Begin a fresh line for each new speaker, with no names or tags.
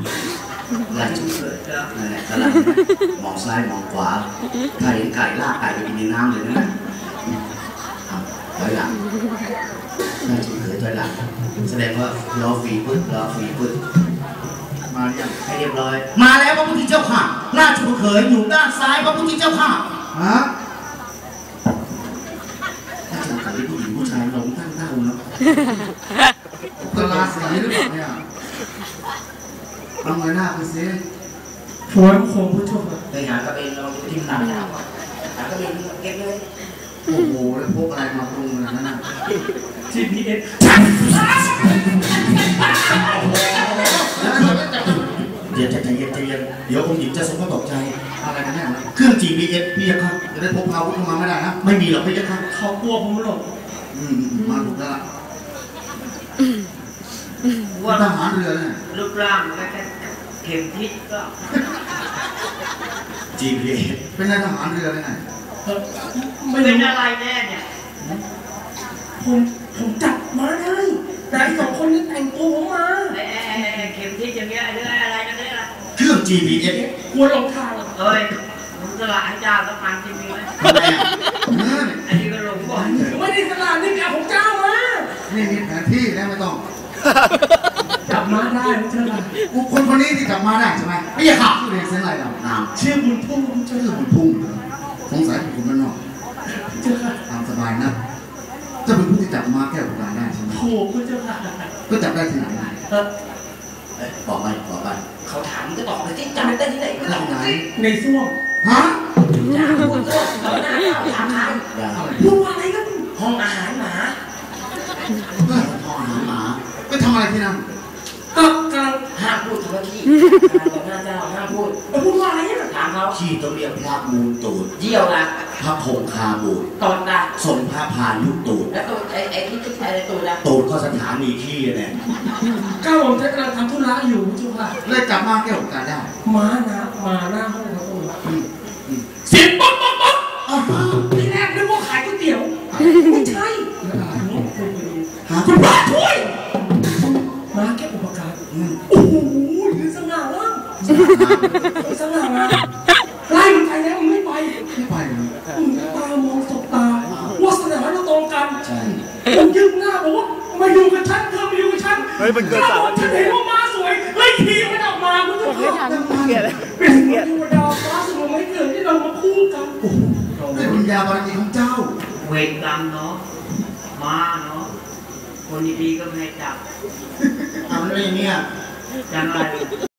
ลายชุดเลยนั่นแหละกำลังมองซ้ายมองขวาถ้าเห็นไก่ลากไก่ไปกินในน้ำเลยนะถอยหลังน่าจะเผยถอยหลังแสดงว่ารอฝีพึ่งรอฝีพึ่งมาอย่างให้เรียบร้อยมาแล้วพระพุทธเจ้าค่ะราชบุตรเขยอยู่ด้านซ้ายพระพุทธเจ้าค่ะฮะราชบุตรเขยผู้หญิงผู้ชายลงตั้งเท่าเนาะตลาสีหรือเปล่าเนี่ยทำไงหน้าไปซิ
ถวายบังคมพระเจ้าค่ะ
ไปหากระเบนเราที่หน้าหากระเบนเก็บเลยโอ้โหแล้วพวกอะไรมาปรุงอะไรนั่นน่ะ
GPS
เดี๋ยวใจเย็นเดี๋ยวองค์หญิงจะทรงก็ตกใจอะไรกันแน่เครื่อง GPS พี่ยักษ์จะได้พกพาอาวุธเข้ามาไม่ได้นะไม่มีหรอกพี่ยักษ์
เขากลัวผมหรอก
มาถูกแล้วว่าทหารเรือเนี่ย
รูปร่างก็แค่เข็มทิศก็
GPS เป็นนายทหารเรือเลยไง
ไม่เป็นอะไรแน่เนี่ย
ผมจับมาได้นายสองคนนี้แต่งตัวผมมา
เข็มทิศอย่างเงี้ยเรื่องอะไรกันเนี่ยล่ะ
เครื่อง GPS
กลัวหลงทาง
เอ้ยมึงสละให้เจ้าสักพันจริงๆไหมอันนี้ก็หลงบ่อย
ไม่ได้สละนี่แกของเจ้ามา
นี่มีแผนที่แล้วไม่ต้อง
จับมาได้ใช่ไหม
คนนี้ที่จับมาได้ใช่ไหมไม่ใช่ข่าวเรียนเส้นอะไรเรา
ชื่อบุญพุ่ง
ชื่อบุญพุ่งสงสัยคุณมันนอกตามสบายนะจะเป็นผู้ที่จับมาแก้วกลางได้ใช่ไหม
โอ้พระเจ้าค่ะ
ก็จับได้ที่ไหนบอกไป
เขาถามก็ตอบไปที่จับได้ที่ไหนก็ตอบ
ไหน
ในส้วม
ฮะ
อย่าพูดส้วมเขาหน้าถามใคร
พูดอะไรกัน
ห้องอาหารหมา
ห้องอาหารหมาไปทำอะไรที่นั่น
ก็กำลัง
ห้ามพูดถึงขี้หน้าเจ้าห้ามพูด
พูดว่าอะไรอ่ะ
ถามเขา
ขี้ต้องเรียกพระมูลตูด
เยี่ยวละ
พระคงคาบูด
ตดละ
สมพระพายุตูด
แล้วตูดไอ้ที่อะไรตูดละ
ตูดก็สถานีขี้เนี่ย
ก้าวผมจะกำลังทำธุระอยู่จุ๊บค่ะ
เลยจับมาแก้วกลางได้
มาหน้าห้องเขาตรงเสียงป๊อกที่แรกนึกว่าขายก๋วยเตี๋ยวไม่ใช่คุณพระช่วยมาแก้อุปการโอ้โหยืนสง่างามสง่างามไล่มันไปแล้วมันไม่ไปตามองสบตาวาสนาเราตรงกันผมยืนหน้าบอกว่ามาอยู่กับฉันเธอมาอยู่กับฉันฉันเห็นว่าม้าสวยไล่ทีมันออกมาคุณผู้ชมเป็นเทวดาฟ้าสมุทรไม่เกิดที่เรามาคู่กัน
เป็นวิญญาณบารมีของเจ้า
เวรกรรมเนาะมาเนาะคนดีๆก็ไม่ให้จับ
ทำอะไรเนี่ย
จังไร